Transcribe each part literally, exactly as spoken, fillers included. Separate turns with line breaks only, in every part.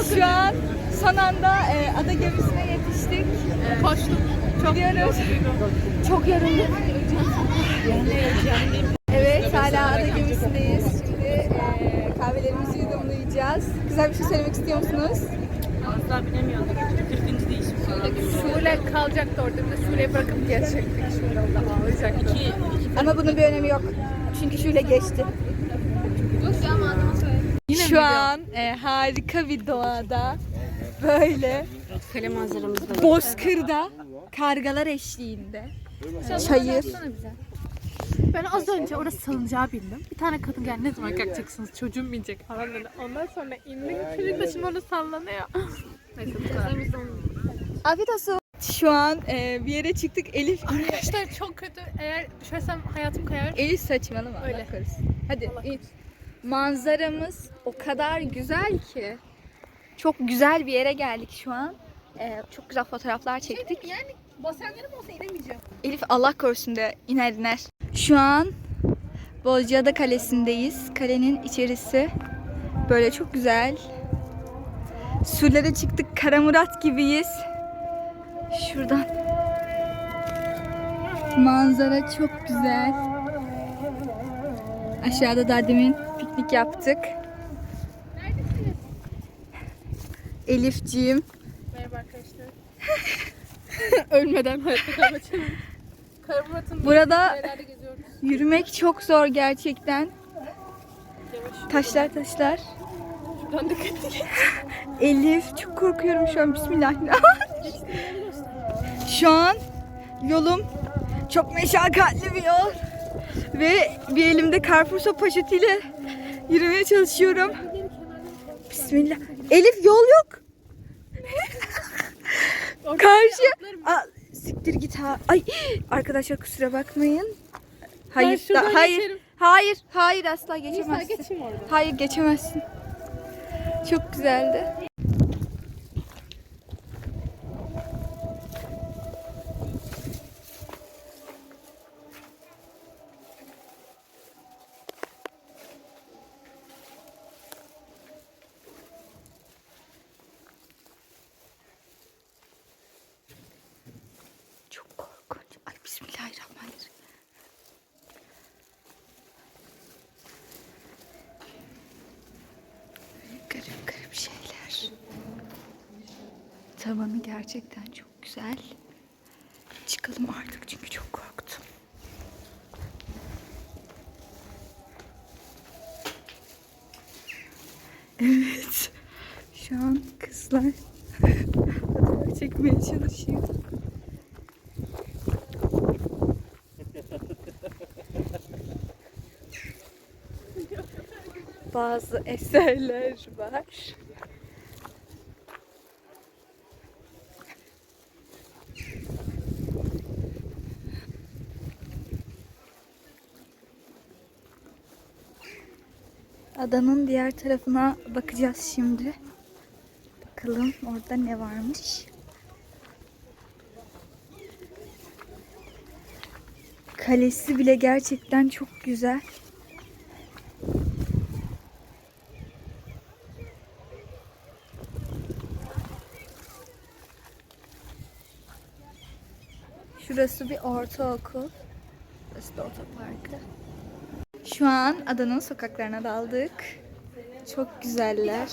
Şu an son anda e, ada gemisine yetiştik.
Evet. Koştum. Çok
Gidiyoruz. Çok yorulduk. Evet, hala ada gemisindeyiz. Şimdi e, kahvelerimizi yudumlayacağız. Güzel bir şey söylemek istiyor musunuz?
Asla binemiyorduk. kırkıncı değişim sonra. Şule kalacaktı orada. Bir de Şule'yi bırakıp geçecektik. Şule orada ağlayacaktı. İki, iki.
Ama bunun bir önemi yok. Çünkü şöyle geçti. Şu an e, harika bir doğada böyle
Kale manzaramızda.
bozkırda kargalar eşliğinde çayır.
Ben az önce orası salıncağa bindim. Bir tane kadın geldi, ne zaman kalkacaksınız, çocuğum binecek falan dedi. Ondan sonra indik, çocuk da şimdi orada sallanıyor. Neyse bu kadar.
Afiyet olsun. Şu an e, bir yere çıktık. Elif
Arkadaşlar çok kötü. Eğer düşersem hayatım kayar.
Elif saçmalama.
Öyle.
Allah korusun. Hadi
Allah
in. Manzaramız o kadar güzel ki. Çok güzel bir yere geldik şu an. E, çok güzel fotoğraflar çektik.
Yani basenlerim olsa inemeyeceğim.
Elif Allah korusun de iner iner. Şu an Bozcaada Kalesi'ndeyiz. Kalenin içerisi böyle çok güzel. Surlara çıktık. Karamurat gibiyiz. Şuradan. Manzara çok güzel. Aşağıda da demin piknik yaptık.
Neredesiniz?
Elifciğim.
Merhaba arkadaşlar. Ölmeden hayatta kalmak için. Karamurat'ın
Burada
yerlerde geziyoruz.
yürümek çok zor gerçekten.
Yavaş.
Taşlar taşlar.
Şuradan dikkatli geç.
Elif çok korkuyorum şu an. Bismillahirrahmanirrahim. Şu an yolum çok meşakkatli bir yol. Ve bir elimde karpuz poşetiyle yürümeye çalışıyorum. Bismillah. Elif yol yok. Karşı. Aa, siktir git ha. Ay arkadaşlar kusura bakmayın. Hayır,
şuradan
da, hayır.
geçerim.
Hayır, hayır asla
Neyse
geçemezsin.
geçeyim orada.
Hayır geçemezsin. Çok güzeldi. Çok korkunç. Ay bismillahirrahmanirrahim. Garip garip şeyler. Tavanı gerçekten çok güzel. Çıkalım artık çünkü çok korktum. Evet. Şu an kızlar fotoğraf çekmeye çalışıyor. Bazı eserler var. Adanın diğer tarafına bakacağız şimdi. Bakalım orada ne varmış. Kalesi bile gerçekten çok güzel. Şurası bir ortaokul. Burası da otoparkı. Şu an adanın sokaklarına daldık. Çok güzeller.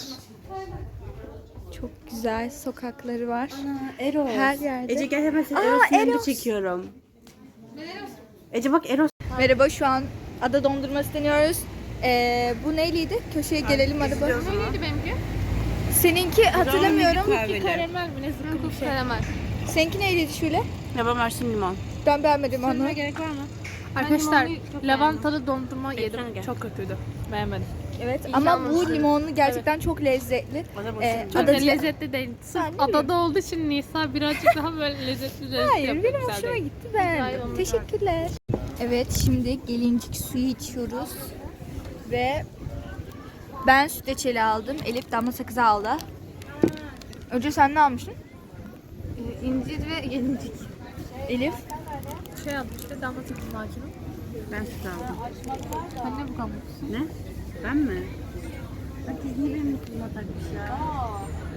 Çok güzel sokakları var.
Eros.
Her yerde.
Ece gel hemen seni
Aa,
Eros'un yanında
Eros.
çekiyorum. Ece bak Eros.
Merhaba, şu an ada dondurması deniyoruz. Ee, bu neyliydi? Köşeye gelelim araba.
Neydi benimki?
Seninki hatırlamıyorum.
Karamel mi? Ne zıkkı bir şey. Karamel.
Seninki neyliydi şöyle?
Yaban versin limon.
Ben beğenmedim onu.
Gerek var mı?
Arkadaşlar
limonlu çok
lavantalı dondurma
Bekleme
yedim.
gel.
Çok kötüydü. Beğenmedim.
Evet
İyi
ama
almamışsın.
bu limonlu gerçekten çok lezzetli.
Bana boşuna.
Ee,
Çok
ada
da lezzetli değil. Sırf
Ben de
adada olduğu için Nisa birazcık daha böyle lezzetli lezzetli
Hayır,
yapıyor.
benim
Güzel
hoşuma
değil.
gitti
Güzel,
ben.
onu
Teşekkürler. Evet, şimdi gelincik suyu içiyoruz. Ve ben süt reçeli aldım. Elif damla sakızı aldı. Önce sen ne almıştın?
Ee, İncir ve gelincik.
Elif.
Şey aldım işte damla sakızı macunu.
Ben süt aldım.
Anne bu kalmış.
Ne? Ben mi? Bak niye benim kızıma takmış ya?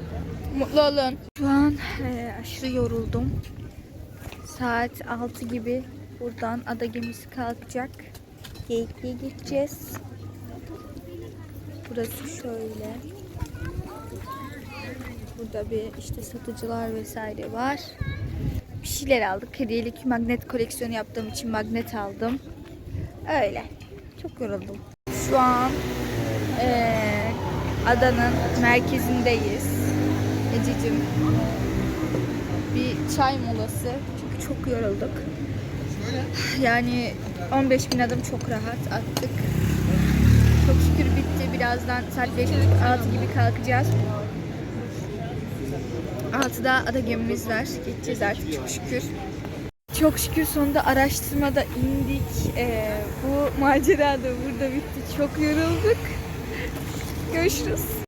Mutlu olun. Şu an e, aşırı yoruldum. Saat altı gibi buradan ada gemisi kalkacak. Geyikli'ye gideceğiz. Burası şöyle. Burada bir işte satıcılar vesaire var. Bir şeyler aldık. Hediyelik magnet koleksiyonu yaptığım için magnet aldım. Öyle. Çok yoruldum. Şu an eee, adanın merkezindeyiz. Ececiğim. Bir çay molası. Çünkü çok yorulduk. Yani on beş bin adım çok rahat attık. Çok şükür bitti. Birazdan saat beş altı gibi kalkacağız. altıda ada gemimiz var. Geçeceğiz artık çok şükür. Çok şükür sonunda araştırmada indik. Ee, bu macera da burada bitti. Çok yorulduk. Görüşürüz.